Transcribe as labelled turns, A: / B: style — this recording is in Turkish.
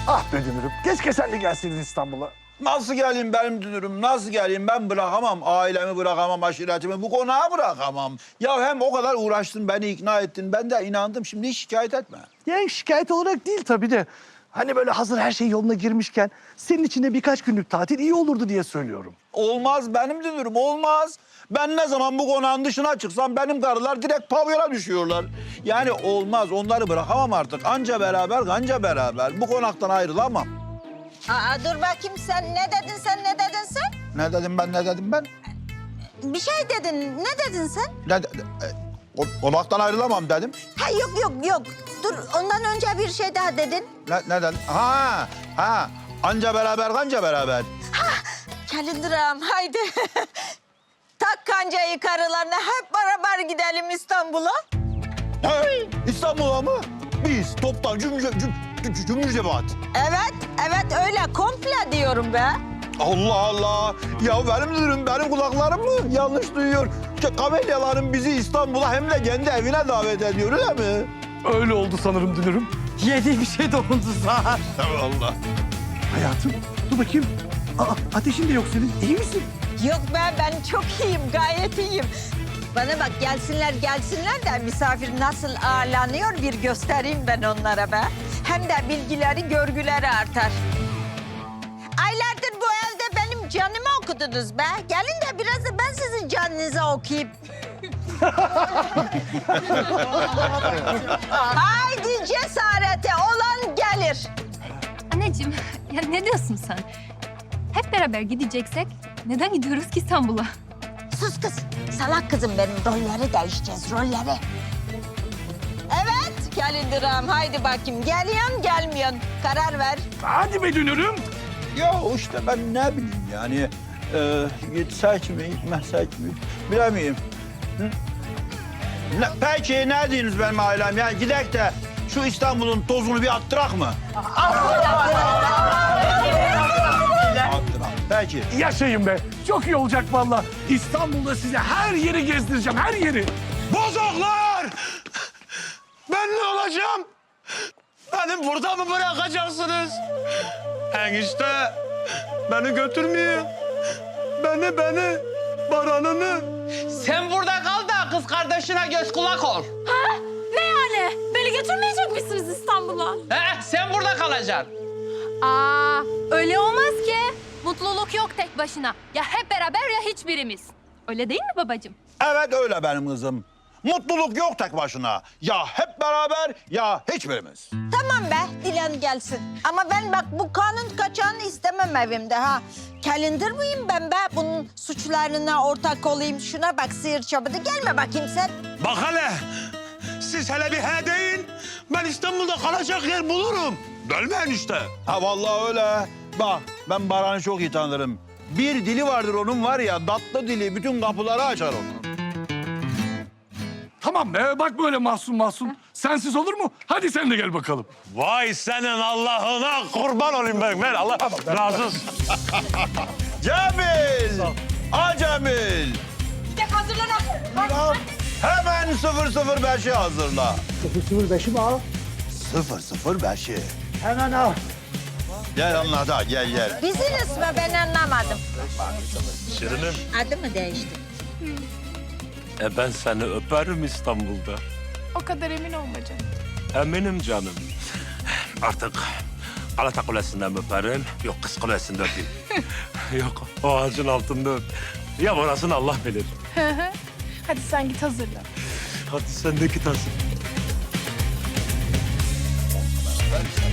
A: Ah be Dünür'üm. Keşke sen de gelseydin İstanbul'a.
B: Nasıl geleyim benim dünürüm, nasıl geleyim? Ben bırakamam, ailemi bırakamam, aşiretimi, bu konağı bırakamam. Ya hem o kadar uğraştın, beni ikna ettin, ben de inandım. Şimdi hiç şikayet etme.
A: Yani şikayet olarak değil tabii de. Hani böyle hazır her şey yoluna girmişken senin için de birkaç günlük tatil iyi olurdu diye söylüyorum.
B: Olmaz benim dünürüm, olmaz. Ben ne zaman bu konağın dışına çıksam benim karılar direkt pavyona düşüyorlar. Yani olmaz, onları bırakamam artık. Anca beraber, kanca beraber. Bu konaktan ayrılamam.
C: Aa, dur bakayım sen ne dedin sen?
B: Ne dedim ben, ne dedim ben?
C: Bir şey dedin. Ne dedin sen?
B: Konaktan ayrılamam dedim.
C: Ha yok. Dur ondan önce bir şey daha dedin.
B: Ne dedim? Ha. Anca beraber, kanca beraber.
C: Kalindiram haydi. Tak kancayı karılarına hep beraber gidelim İstanbul'a.
B: Hey, İstanbul'a mı? Biz toptan cümle cemaat.
C: Evet öyle komple diyorum be.
B: Allah Allah. Ya benim dünürüm, benim kulaklarım mı yanlış duyuyor? Kamelyaların bizi İstanbul'a hem de kendi evine davet ediyor öyle mi?
A: Öyle oldu sanırım Dünür'üm. Yediği bir şey dokundu sana.
B: Allah.
A: Hayatım dur bakayım. Aa, ateşin de yok senin. İyi misin?
C: Yok be ben çok iyiyim gayet iyiyim. Bana bak gelsinler de misafir nasıl ağırlanıyor bir göstereyim ben onlara be. Hem de bilgileri görgüleri artar. Aylardır bu evde benim canımı okudunuz be. Gelin de biraz da ben sizin canınızı okuyayım. Haydi cesarete olan gelir.
D: Anneciğim, ya ne diyorsun sen? Hep beraber gideceksek neden gidiyoruz ki İstanbul'a?
C: Sus kız. Salak kızım benim. Rolleri değişeceğiz, rolleri. Evet, Kalindiram. Haydi bakayım. Geliyorsun, gelmiyorsun. Karar ver.
A: Hadi be Dünür'üm.
B: Ya işte ben ne bileyim yani. Gitsek mi, gitmezsek mi bilemeyim. Hı? Peki ne diyorsunuz benim ailem ya? Gidek de şu İstanbul'un tozunu bir attırak mı? Attırak. Peki.
A: Yaşayın be. Çok iyi olacak vallahi. İstanbul'da size her yeri gezdireceğim, her yeri.
E: Bozoklar! Ben ne olacağım? Beni burada mı bırakacaksınız? Enişte beni götürmüyor. Beni, Baran'ını.
F: Sen burada kal da kız kardeşine göz kulak ol.
D: Ne yani? Beni götürmeyecek misiniz İstanbul'a?
F: Sen burada kalacaksın.
D: Aa, öyle olmaz ki. Mutluluk yok tek başına. Ya hep beraber ya hiçbirimiz. Öyle değil mi babacığım?
B: Evet öyle benim kızım. Mutluluk yok tek başına. Ya hep beraber ya hiçbirimiz.
C: Tamam be, dilen gelsin. Ama ben bak bu kanun kaçağını istemem evimde ha. Kalindir miyim ben be? Bunun suçlarına ortak olayım. Şuna bak sıyır çabıdı. Gelme bakayım sen.
E: Bak hele. Siz hele bir he deyin. Ben İstanbul'da kalacak yer bulurum. Gelme enişte.
B: Ha vallahi öyle. Bak ben Baran'ı çok iyi tanırım. Bir dili vardır onun var ya, tatlı dili bütün kapıları açar onun.
A: Tamam be, bak böyle mahzun. Sensiz olur mu? Hadi sen de gel bakalım.
E: Vay senin Allah'ına kurban olayım ben Allah razı olsun.
B: Cemil! Cemil!
C: Gidek hazırlan.
B: Hemen 005'i hazırla.
A: 005'i mi al?
B: 005'i.
A: Hemen al.
B: Gel anlat ha, gel.
C: Bizim ismi ben anlamadım.
E: Şirinim.
C: Adı mı değişti?
E: Ben seni öperim İstanbul'da.
G: O kadar emin olma canım.
E: Eminim canım. Artık Galata Kulesi'nden öperim. Yok Kız Kulesi'nde öpeyim. Yok o ağacın altında öp. Ya orasını Allah bilir.
G: Hadi sen git hazırlan.
E: Hadi sen de git Hasan.